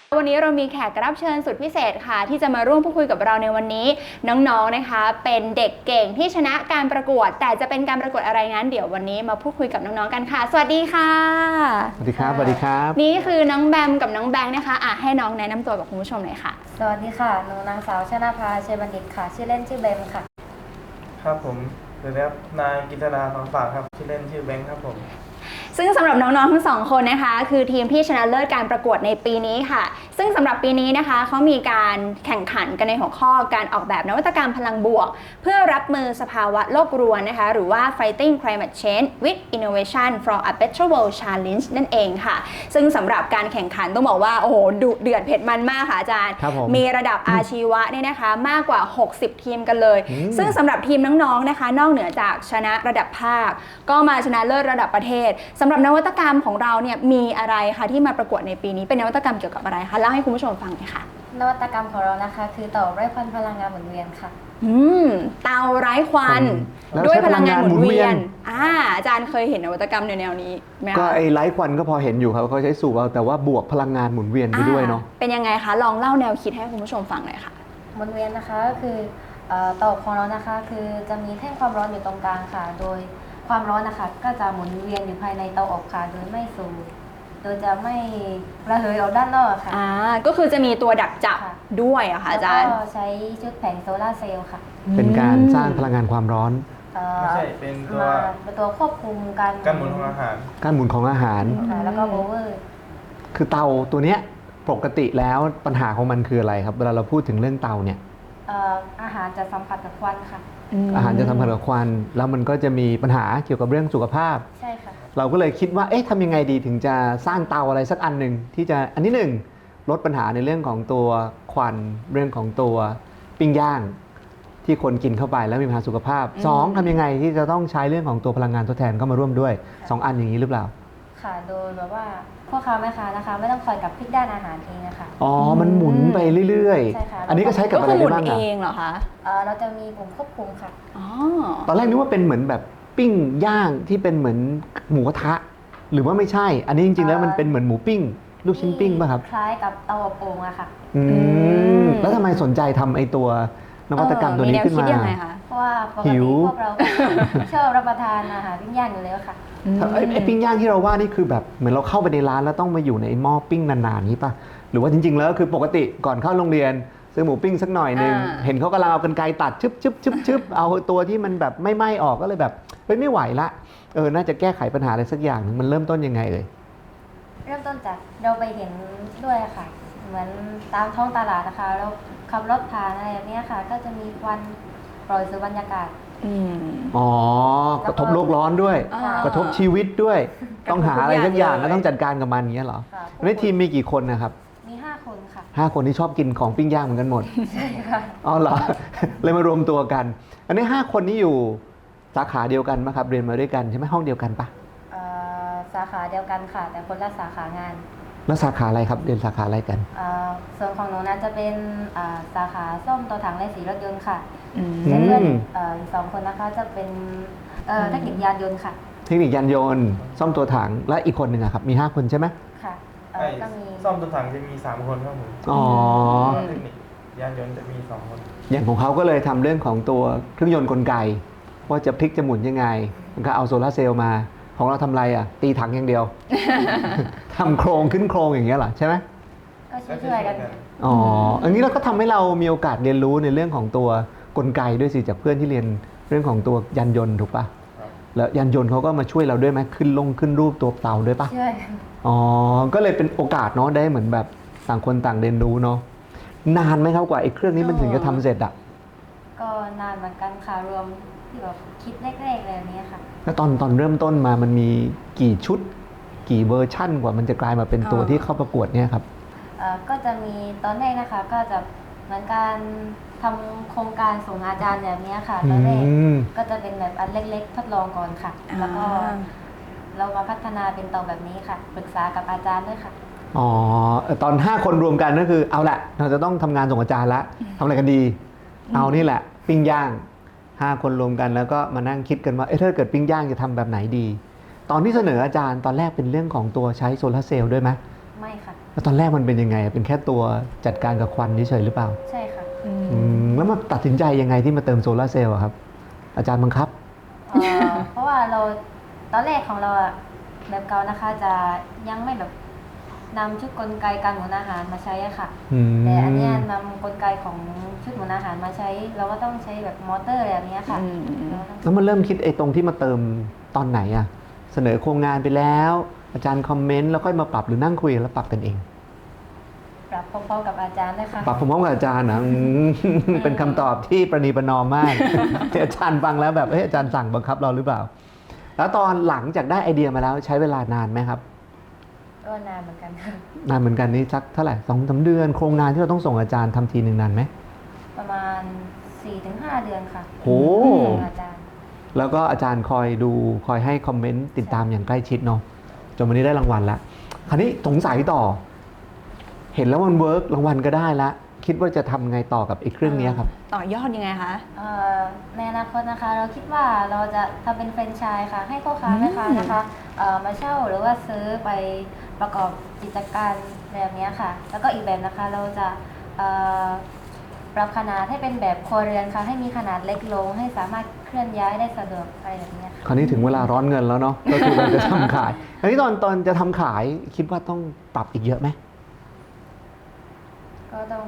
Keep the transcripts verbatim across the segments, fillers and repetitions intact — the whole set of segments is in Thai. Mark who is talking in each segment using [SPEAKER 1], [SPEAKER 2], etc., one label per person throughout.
[SPEAKER 1] วันนี้เรามีแขกรับเชิญสุดพิเศษค่ะที่จะมาร่วมพูดคุยกับเราในวันนี้น้องๆนะคะเป็นเด็กเก่งที่ชนะการประกวดแต่จะเป็นการประกวดอะไรนั้นเดี๋ยววันนี้มาพูดคุยกับน้องๆกันค่ะสวัสดีค่ะ
[SPEAKER 2] สวัสดีครับสวัสดีครับ
[SPEAKER 1] นี่คือน้องแบมกับน้องแบงค์นะคะอ่ะให้น้องแนะนำตัวกับคุณผู้ชมหน่อยค่ะ
[SPEAKER 3] สวัสดีค่ะหนูนางสาวชนาภาเชยบัณฑิตค่ะชื่อเล่นชื่อเบมค่ะ
[SPEAKER 4] ครับผมสวัสดีครับนายกิตราทองฝากครับชื่อเล่นชื่อแบงค์ครับผม
[SPEAKER 1] ซึ่งสำหรับน้องๆทั้งสองคนนะคะคือทีมที่ชนะเลิศการประกวดในปีนี้ค่ะซึ่งสำหรับปีนี้นะคะเขามีการแข่งขันกันในหัวข้อการออกแบบนวัตกรรมพลังบวกเพื่อรับมือสภาวะโลกรวนนะคะหรือว่า Fighting Climate Change with Innovation for a Better World Challenge นั่นเองค่ะซึ่งสำหรับการแข่งขันต้องบอกว่าโอ้โหดุเดือดเผ็ดมันมากค่ะอาจารย์มีระดับอาชีวะเนี่ยนะคะมากกว่าหกสิบทีมกันเลยซึ่งสำหรับทีมน้องๆนะคะนอกเหนือจากชนะระดับภาคก็มาชนะเลิศระดับประเทศสำหรับนวัตกรรมของเราเนี่ยมีอะไรคะที่มาประกวดในปีนี้เป็นนวัตกรรมเกี่ยวกับอะไรคะเล่าให้คุณผู้ชมฟังหน่อยค่ะ
[SPEAKER 3] นวัตกรรมของเรานะคะคือเตาไร้ควันพลังงานหมุนเวียนค่ะ
[SPEAKER 1] อืมเตาไร้ควันด้วยพลังงานหมุนเวียนอ่าอาจารย์เคยเห็นนวัตกรรมแนวนี้ไหมคะ
[SPEAKER 2] ก็ไอ้ไร้ควันก็พอเห็นอยู่ครับเขาใช้สูบเอาแต่ว่าบวกพลังงานหมุนเวียนไปด้วยเนาะ
[SPEAKER 1] เป็นยังไงคะลองเล่าแนวคิดให้คุณผู้ชมฟังหน่อยค่ะ
[SPEAKER 3] หมุนเวียนนะคะก็คือเตาของเรานะคะคือจะมีแท่งความร้อนอยู่ตรงกลางค่ะโดยความร้อนนะคะก็จะหมุนเวียนอยู่ภายในเตาอบค่ะโดยไม่สูบโดยจะไม่ระเหยออกด้านนอกค่ะ
[SPEAKER 1] อ่าก็คือจะมีตัวดักจับด้วยอะค่ะอาจารย์
[SPEAKER 3] แล้วก็ใช้ชุดแผงโซลาร์เซลล์ค่ะ
[SPEAKER 2] เป็นการสร้างพลังงานความร้อน
[SPEAKER 4] ไม่ใช่เป็นตัว
[SPEAKER 3] เป็นตัวควบคุมการ
[SPEAKER 4] การหมุนของอาหาร
[SPEAKER 2] การหมุนของอาหาร
[SPEAKER 3] แล้วก็โบเวอร์
[SPEAKER 2] คือเตาตัวเนี้ยปกติแล้วปัญหาของมันคืออะไรครับเวลาเราพูดถึงเรื่องเตาเนี่ย
[SPEAKER 3] อาหารจะสัมผัสกับควันค่ะ
[SPEAKER 2] อาหารจะสัมผัสกับควันแล้วมันก็จะมีปัญหาเกี่ยวกับเรื่องสุขภาพ
[SPEAKER 3] ใช่ค่ะ
[SPEAKER 2] เราก็เลยคิดว่าเอ๊ะทำยังไงดีถึงจะสร้างเตาอะไรสักอันหนึ่งที่จะอันที่หนึ่งลดปัญหาในเรื่องของตัวควันเรื่องของตัวปิ้งย่างที่คนกินเข้าไปแล้วมีปัญหาสุขภาพสองทำยังไงที่จะต้องใช้เรื่องของตัวพลังงานทดแทนเข้ามาร่วมด้วยสองอันอย่างนี้หรือเปล่า
[SPEAKER 3] ค่ะโดยแบบว่าพ่อค้าแม่ค้านะคะไม่ต้องคอยกับพลิกด้านอาหารเองนะคะ
[SPEAKER 2] อ๋อมันหมุนไปเรื่อยๆอันนี้ก็ใช้กับอะไรได้บ้าง
[SPEAKER 1] อ่ะเองเหรอคะ
[SPEAKER 3] เราจะมีปุ่มควบคุมค่ะ
[SPEAKER 1] อ๋อ
[SPEAKER 2] ตอนแรกนึกว่าเป็นเหมือนแบบปิ้งย่างที่เป็นเหมือนหมูกระทะหรือว่าไม่ใช่อันนี้จริงๆแล้วมันเป็นเหมือนหมูปิ้งลูกชิ้นปิ้งป่ะครับ
[SPEAKER 3] คล้ายกับเตาอบโอ่งอะค่ะ
[SPEAKER 2] อืมแล้วทำไมสนใจทำไอ้ตัวนวัตกรรมตัวนี้ขึ้นมา
[SPEAKER 3] เพราะว่าปกติพวกเราชอบรับประทานอาหารปิ้งย่างอยู่แล้วค่ะ
[SPEAKER 2] ไอ้ปิ้งย่างที่เราว่านี่คือแบบเหมือนเราเข้าไปในร้านแล้วต้องมาอยู่ในหม้อปิ้งนานๆนี้ป่ะหรือว่าจริงๆแล้วคือปกติก่อนเข้าโรงเรียนซื้อหมูปิ้งสักหน่อยนึงเห็นเขากำลังเอากรรไกรตัดชึบชึบชึบชึบเอาตัวที่มันแบบไม่ไหม้ออกก็เลยแบบเฮ้ยไม่ไหวละเออน่าจะแก้ไขปัญหาอะไรสักอย่างนึงมันเริ่มต้นยังไงเอ่ย
[SPEAKER 3] เริ่มต้นจากเราไปเห็นด้วยค่ะเหมือนตามท้องตลาดนะคะเราขับรถผ่านอะไรแบบนี้ค่ะก็จะมีควันปล่อยสู่บรรยากาศ
[SPEAKER 2] อ๋อกระทบโลกร้อนด้วยกระทบชีวิตด้วยต้องหาอะไรสักอย่างแล้วต้องจัดการกับมันอย่างเงี้ยเหรอในทีมมีกี่คนนะครับ
[SPEAKER 3] มีห้าคนค่ะ
[SPEAKER 2] ห้าคนที่ชอบกินของปิ้งย่างเหมือนกันหมด
[SPEAKER 3] ใช่ค่ะ
[SPEAKER 2] อ๋อเหรอเลยมารวมตัวกันอันนี้ห้าคนนี้อยู่สาขาเดียวกันไหมครับเรียนมาด้วยกันใช่ไหมห้องเดียวกันปะ
[SPEAKER 3] สาขาเดียวกันค่ะแต่คนละสาขางาน
[SPEAKER 2] แล้วสาขาอะไรครับเรียนสาขาอะไรกัน
[SPEAKER 3] ส่วนของหนูนั้นจะเป็นสาขาซ่อมตัวถังและสีรถยนต์ค่ะและเพื่อนอีกสองคนนะคะจะเป็นเทคนิคยานยนต์ค่ะ
[SPEAKER 2] เทคนิคยานยนต์ซ่อมตัวถังและอีกคนหนึ่งครับมีห้าคนใช่ไหม
[SPEAKER 3] ค่ะ
[SPEAKER 4] ก็มีซ่อมตัวถังจะมีสามคนครับผม
[SPEAKER 2] อ๋อ
[SPEAKER 4] เทคนิคยานยนต์จะมีสองคน
[SPEAKER 2] อย่างของเขาก็เลยทำเรื่องของตัวเครื่องยนต์กลไกว่าจะพลิกจะหมุนยังไงมันก็เอาโซลาร์เซลล์มาของเราทำไรอ่ะตีถังอย่างเดียวทำโครงขึ้นโครงอย่างเงี้ยเหรอใช่ไหม
[SPEAKER 3] ก็ช่วยกัน
[SPEAKER 2] อ๋ออันนี้เราก็ทำให้เรามีโอกาสเรียนรู้ในเรื่องของตัวกลไกด้วยสิจากเพื่อนที่เรียนเรื่องของตัวยานยนต์ถูกปะแล้วยานยนต์เขาก็มาช่วยเราด้วยไหมขึ้นลงขึ้นรูปตัวเตาด้วยปะ
[SPEAKER 3] ช่วย
[SPEAKER 2] อ๋อก็เลยเป็นโอกาสเนาะได้เหมือนแบบต่างคนต่างเรียนรู้เนาะนานไหมครับกว่าไอ้เครื่องนี้มันถึงจะทำเสร็จอ่ะ
[SPEAKER 3] ก็นานเหมือนกันค่ะรวมที่แบบคิดแรกๆเลยนี้ค่ะ
[SPEAKER 2] แล้วตอนตอนเริ่มต้นมามันมีกี่ชุดกี่เวอร์ชั่นกว่ามันจะกลายมาเป็นตัวที่เข้าประกวดเนี่ยครับ
[SPEAKER 3] ก็จะมีตอนแรกนะคะก็จะเหมือนการทำโครงการส่งอาจารย์แบบนี้ค่ะตอนแรกก็จะเป็นแบบอันเล็กๆทดลองก่อนค่ะแล้วก็เรามาพัฒนาเป็นเตาแบบนี้ค่ะปรึกษากับอาจารย์ด้วยค่ะ
[SPEAKER 2] อ๋อตอนห้าคนรวมกันก็คือเอาละเราจะต้องทำงานส่งอาจารย์ละทำอะไรกันดีเอานี่แหละปิ้งย่างห้าคนรวมกันแล้วก็มานั่งคิดกันว่าเอ๊ะถ้าเกิดปิ้งย่างจะทำแบบไหนดีตอนที่เสนออาจารย์ตอนแรกเป็นเรื่องของตัวใช้โซลาร์เซลล์ด้วยไหม
[SPEAKER 3] ไม่ค่ะ
[SPEAKER 2] แแล้วตอนแรกมันเป็นยังไงเป็นแค่ตัวจัดการกับควันเฉยๆหรือเปล่า
[SPEAKER 3] ใช่ค่ะ
[SPEAKER 1] อืม
[SPEAKER 2] อืมแล้วมาตัดสินใจยังไงที่มาเติมโซลาร์เซลล์อะครับ อาจารย์บังคับ
[SPEAKER 3] เอ่อ เพราะว่าเราตอนแรกของเราอะแบบเก่านะคะจะยังไม่แบบนำชุดกลไกการหมุนอาหารมาใช้อะค่ะ
[SPEAKER 2] อืม
[SPEAKER 3] แต่อันเนี้ยนำกลไกของชุดหมุนอาหารมาใช้ เราก็ต้องใช้แบบมอเตอร์อะไรแบบเนี้ยค่ะ
[SPEAKER 1] อืม
[SPEAKER 3] เราต้อง
[SPEAKER 2] แล้วมันเริ่มคิดไอ้ตรงที่มาเติมตอนไหนอะเสนอโครงงานไปแล้ว อาจารย์คอมเมนต์แล้วค่อยมาปรับหรือนั่งคุยแล้วปรับกันเอง
[SPEAKER 3] ปรับพร้อมๆกับอาจารย์เลยค่ะ
[SPEAKER 2] ปรับพร้อมๆกับอาจารย์นะอืม เป็นคำตอบที่ประนีประนอมมาก ที่อาจารย์ฟังแล้วแบบเอ้ยอาจารย์สั่งบังคับเราหรือเปล่า แล้วตอนหลังจากได้ไอเดียมาแล้วใช้เวลานานไหมครับ
[SPEAKER 3] ก็นานเหมือนกันค่ะ
[SPEAKER 2] นานเหมือนกันนี่สักเท่าไหร่สองสามเดือนโครงงานที่เราต้องส่งอาจารย์ทำทีหนึ่งนานไหม
[SPEAKER 3] ประมาณ สี่ถึงห้า เดือนค่ะ
[SPEAKER 2] โห
[SPEAKER 3] ของอาจารย์
[SPEAKER 2] แล้วก็อาจารย์คอยดูคอยให้คอมเมนต์ติดตามอย่างใกล้ชิดเนาะจนวันนี้ได้รางวัลละคราวนี้สงสัยต่อ เห็นแล้วมันเวิร์กรางวัลก็ได้ละคิดว่าจะทำไงต่อกับไอ้เครื่องนี้ครับ
[SPEAKER 1] ต่อยอดยังไงคะ
[SPEAKER 3] เอ่อในอนาคตนะคะ เราคิดว่าเราจะทำเป็นแฟรนไชส์ค่ะ ให้พ่อค้าแม่ค้านะคะเอ่อมาเช่าหรือว่าซื้อไปประกอบกิจการแบบนี้ค่ะ แล้วก็อีกแบบนะคะเราจะเอ่อปรับขนาดให้เป็นแบบครัวเรือนค่ะ ให้มีขนาดเล็กลง ให้สามารถเคลื่อนย้ายได้สะดวกอะไรแบบนี้ค่ะ
[SPEAKER 2] คราวนี้ถึงเวลาร้อนเงินแล้วเนาะ ก็คือเราจะทำขายคราวนี้ตอนตอนจะทำขายคิดว่าต้องปรับอีกเยอะไหม
[SPEAKER 3] ก็ต้อง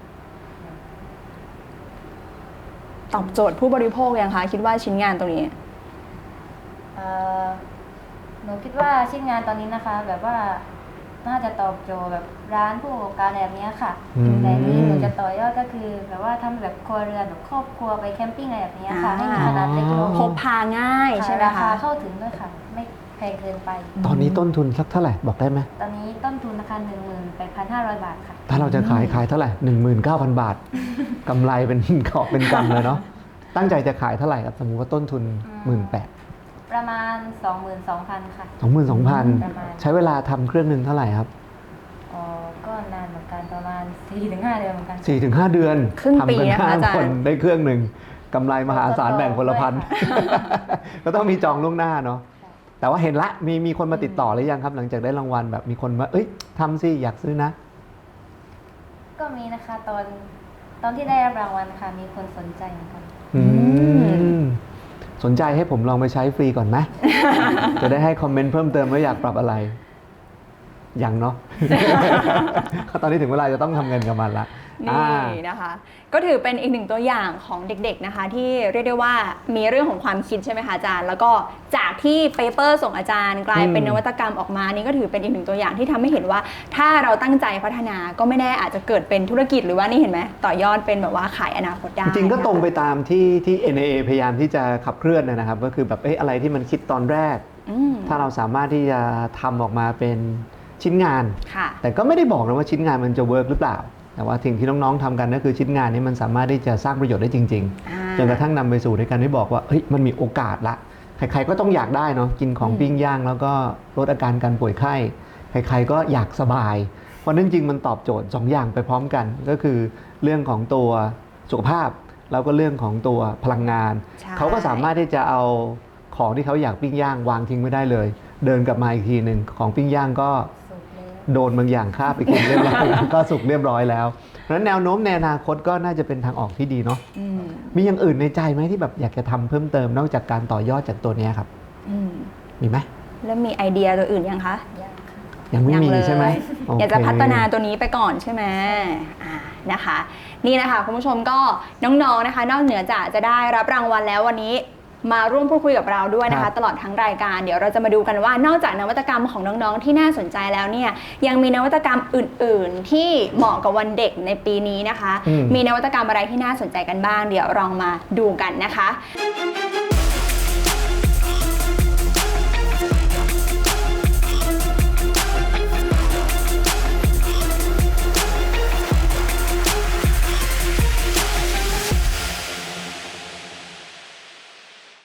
[SPEAKER 1] ตอบโจทย์ผู้บริโภคยังคะคิดว่าชิ้นงานตรงนี้
[SPEAKER 3] เอ่อหนูคิดว่าชิ้นงานตอนนี้นะคะ แบบว่าน่าจะตอบโจทย์แบบร้านผู้ประกอบการแบบนี้ค่ะ
[SPEAKER 2] อืม
[SPEAKER 3] แต่นี่หนูจะต่อยอดก็คือแบบว่าทำแบบครัวเรือนแบบครอบครัวไปแคมปิ้งอะไรแบบนี้ค่ะ
[SPEAKER 1] อ่า
[SPEAKER 3] ให้มีขนาดเล็กลง
[SPEAKER 1] พกพาง่ายใช่ไหม
[SPEAKER 3] ราคา
[SPEAKER 1] คะ
[SPEAKER 3] เข้าถึงด้วยค่ะ ไม่แพงเกินไป
[SPEAKER 2] ตอนนี้ต้นทุนสักเท่าไหร่บอกได้ไหม
[SPEAKER 3] ตอนนี้ต้นทุนราคาหนึ่งหมื่นแปดพันห้าร้อยบาทค่ะ
[SPEAKER 2] ถ้าเราจะขายขายเท่าไหร่หนึ่งหมื่นเก้าพันบาทกำไรเป็น กอบเป็นกำเลยเนาะตั้งใจจะขายเท่าไหร่ครับสมมติว่าต้นทุนหมื่นแปด
[SPEAKER 3] ประมาณ สองหมื่นสองพัน ค่ะ
[SPEAKER 2] สองหมื่นสองพัน
[SPEAKER 3] ประมาณ
[SPEAKER 2] ใช้เวลาทำเครื่องหนึ่งเท่าไหร่ครับ
[SPEAKER 3] อ๋อก็นานเหมือนกันประมาณ สี่ถึงห้า เดือนเหมือนกัน
[SPEAKER 2] สี่ถึงห้าเดือน
[SPEAKER 1] ครึ่งปี
[SPEAKER 2] ทำกัน
[SPEAKER 1] นะคะ
[SPEAKER 2] ห้า
[SPEAKER 1] อาจารย์
[SPEAKER 2] คนได้เครื่องหนึ่งกำไรมหาศาลแบ่งคนละพัน
[SPEAKER 3] ด้วยค่ะ
[SPEAKER 2] ก็ต้องมีจองล่วงหน้าเนาะแต่ว่าเห็นละมีมีคนมาติดต่อหรือยังครับ หลังจากได้รางวัลแบบมีคนมาเอ้ยทำสิอยากซื้อนะ
[SPEAKER 3] ก็มีนะคะตอนตอนที่ได้รับรางวัลค่ะ มีคนสนใจเหมือนกัน
[SPEAKER 2] อืมสนใจให้ผมลองไปใช้ฟรีก่อนไหม จะได้ให้คอมเมนต์เพิ่มเติมว่าอยากปรับอะไร ยังเนาะ ตอนนี้ถึงเวลาจะต้องทำเงินกับมันละ
[SPEAKER 1] นี่
[SPEAKER 2] อ่า
[SPEAKER 1] นะคะ ก็ถือเป็นอีกหนึ่งตัวอย่างของเด็กๆนะคะ ที่เรียกได้ว่ามีเรื่องของความคิดใช่ไหมคะอาจารย์ แล้วก็จากที่เปเปอร์ส่งอาจารย์กลายเป็น
[SPEAKER 2] อืม
[SPEAKER 1] นวัตกรรมออกมานี่ก็ถือเป็นอีกหนึ่งตัวอย่างที่ทำให้เห็นว่า ถ้าเราตั้งใจพัฒนาก็ไม่แน่อาจจะเกิดเป็นธุรกิจหรือว่านี่เห็นไหมต่อยอดเป็นแบบว่าขายอนาคตได้
[SPEAKER 2] จริงๆก็ตรงไป
[SPEAKER 1] นะคะ
[SPEAKER 2] ตามที่ที่ เอ็น เอ เอ พยายามที่จะขับเคลื่อนนะครับ ก็คือแบบเอ๊ะอะไรที่มันคิดตอนแรก
[SPEAKER 1] อืม
[SPEAKER 2] ถ้าเราสามารถที่จะทำออกมาเป็นชิ้นงาน
[SPEAKER 1] ค่ะ
[SPEAKER 2] แต่ก็ไม่ได้บอกนะว่าชิ้นงานมันจะเวิร์กหรือเปล่า แต่ว่าสิ่งที่น้องๆทำกันก็คือชิ้นงานนี้มันสามารถที่จะสร้างประโยชน์ได้จริง
[SPEAKER 1] อ่า
[SPEAKER 2] ๆ จนกระทั่งนำไปสู่ในการที่บอกว่าเฮ้ยมันมีโอกาสละ ใครๆก็ต้องอยากได้เนาะกินของ
[SPEAKER 1] อืม
[SPEAKER 2] ปิ้งย่างแล้วก็ลดอาการการป่วยไข้ ใครๆก็อยากสบาย เพราะนั่นจริงมันตอบโจทย์สองอย่างไปพร้อมกัน ก็คือเรื่องของตัวสุขภาพ แล้วก็เรื่องของตัวพลังงาน
[SPEAKER 1] ใช่
[SPEAKER 2] เขาก็สามารถที่จะเอาของที่เขาอยากปิ้งย่างวางทิ้งไม่ได้เลย เดินกลับมาอีกทีหนึ่งของปิ้งย่างก็
[SPEAKER 3] สุดเลย
[SPEAKER 2] โดนบางอย่างคาบไปกินเรียบร้อยแล้ว ก็สุกเรียบร้อยแล้ว เพราะฉะนั้นแนวโน้มในอนาคตก็น่าจะเป็นทางออกที่ดีเนาะ
[SPEAKER 1] อืม
[SPEAKER 2] มีอย่างอื่นในใจไหมที่แบบอยากจะทำเพิ่มเติมนอกจากการต่อยอดจากตัวเนี้ยครับ
[SPEAKER 1] อืม
[SPEAKER 2] มีไหม
[SPEAKER 3] แล้วมีไอเดียตัวอื่นยังคะ
[SPEAKER 2] ยังค่ะยังไม่มี
[SPEAKER 1] ยังเลย
[SPEAKER 2] ใช่ไหม
[SPEAKER 1] อยากจะ
[SPEAKER 2] โเค
[SPEAKER 1] พัฒนาตัวนี้ไปก่อนใช่ไหมอ่านะคะ นี่นะคะคุณผู้ชมก็น้องๆนะคะ นอกเหนือจากจะได้รับรางวัลแล้ววันนี้มาร่วมพูดคุยกับเราด้วยนะ
[SPEAKER 2] ครั
[SPEAKER 1] คะ
[SPEAKER 2] บ
[SPEAKER 1] ตลอดทั้งรายการเดี๋ยวเราจะมาดูกันว่านอกจากนวัตกรรมของน้องๆที่น่าสนใจแล้วเนี่ยยังมีนวัตกรรมอื่นๆ ที่เหมาะกับวันเด็กในปีนี้นะคะ
[SPEAKER 2] อืม
[SPEAKER 1] มีนวัตกรรมอะไรที่น่าสนใจกันบ้าง เดี๋ยวลองมาดูกันนะคะ